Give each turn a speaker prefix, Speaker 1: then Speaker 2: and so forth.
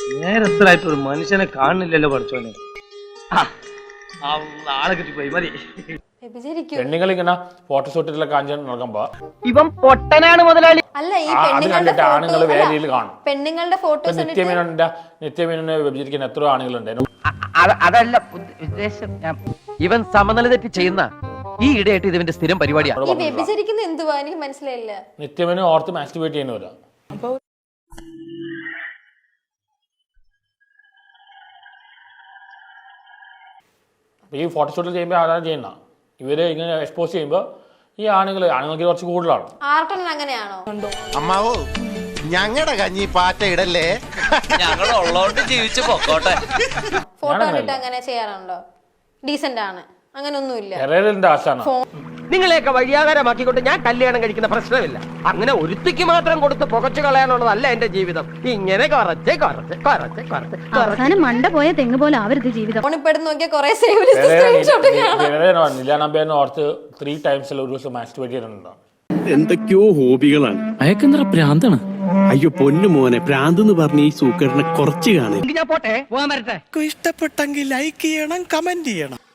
Speaker 1: നേരത്തിലായിട്ട് ഒരു മനുഷ്യനെ കാണുന്നില്ലല്ലോ പഠിച്ചോനെ. ആളെ കിട്ടിപ്പോയി മതി.
Speaker 2: പെണ്ണുങ്ങൾ ഇങ്ങനെ ഫോട്ടോഷൂട്ടിലെ കാഞ്ചാൻ നടക്കുമ്പോ
Speaker 3: ഇവൻ പൊട്ടനാണ് മുതലാളി.
Speaker 4: അല്ല ഈ
Speaker 2: കണ്ടിട്ട് ആണുങ്ങൾ വേദിയിൽ കാണും.
Speaker 4: പെണ്ണുങ്ങളുടെ ഫോട്ടോസ്
Speaker 2: നിത്യമേനോനെ വ്യഭിചരിക്കുന്ന എത്രയോ ആണുങ്ങളുണ്ടായിരുന്നു.
Speaker 3: അതല്ല ഉദ്ദേശം. ഇവൻ സമനില തെറ്റി ചെയ്യുന്ന ഈ ഇടയായിട്ട് ഇതിന്റെ സ്ഥിരം പരിപാടിയാണ്.
Speaker 4: ഈ വ്യഭിചരിക്കുന്ന എന്തുവാ എനിക്ക് മനസ്സിലായില്ല.
Speaker 2: നിത്യമേനോ ഓർത്ത് മാസ്റ്റുബേറ്റ് ചെയ്യുന്നവരാ. ഈ ഫോട്ടോഷൂട്ടിൽ ചെയ്യുമ്പോൾ ആരാണ് ചെയ്യുന്ന ഇവര് ഇങ്ങനെ എക്സ്പോസ് ചെയ്യുമ്പോൾ ഈ ആണുങ്ങൾക്ക് കുറച്ച് കൂടുതലാണ്.
Speaker 4: ആർട്ടൻ അങ്ങനെയാണോ?
Speaker 5: അമ്മാവോ ഞങ്ങളുടെ കഞ്ഞി പാറ്റ ഇടല്ലേ,
Speaker 3: ഞങ്ങൾ ഉള്ളോണ്ട് ജീവിച്ചു പോക്കോട്ടെ.
Speaker 4: ഫോട്ടോ കണ്ടിട്ട് അങ്ങനെ ചെയ്യാറുണ്ടോ? ഡീസന്റ് ആണ്, അങ്ങനൊന്നുമില്ല.
Speaker 3: നിങ്ങളെയൊക്കെ വഴിയാകാരമാക്കിക്കൊണ്ട് ഞാൻ കല്യാണം കഴിക്കുന്ന പ്രശ്നമില്ല. അങ്ങനെ ഒരുത്തിക്ക് മാത്രം കൊടുത്ത് പുകച്ചു കളയാനുള്ളതല്ല എന്റെ ജീവിതം. ഇങ്ങനെ
Speaker 6: അവസാനം മണ്ട പോയ തെങ്ങ് പോലെ ആവരുത് ജീവിതം.
Speaker 4: നോക്കിയാൽ കുറെ സേവ് ലിസ്റ്റ് സ്ക്രീൻഷോട്ട് കാണാം.
Speaker 2: ഓർത്ത് 3 times ഒരു ദിവസം മാസ്റ്റുബേറ്റ് ചെയ്യുന്നുണ്ടോ?
Speaker 7: എന്തൊക്കെയോ ഹോബികളാണ്.
Speaker 8: അയക്കെന്തറ പ്രാന്താണ്.
Speaker 7: അയ്യോ പൊന്നു മോനെ, പ്രാന്ത് എന്ന് പറഞ്ഞ ഈ സൂക്കറിനെ കുറച്ച് കാണും.
Speaker 3: ഞാൻ പോട്ടെ, പോകാൻ വരട്ടെ.
Speaker 8: ഇഷ്ടപ്പെട്ടെങ്കിൽ ലൈക്ക് ചെയ്യണം, കമന്റ് ചെയ്യണം.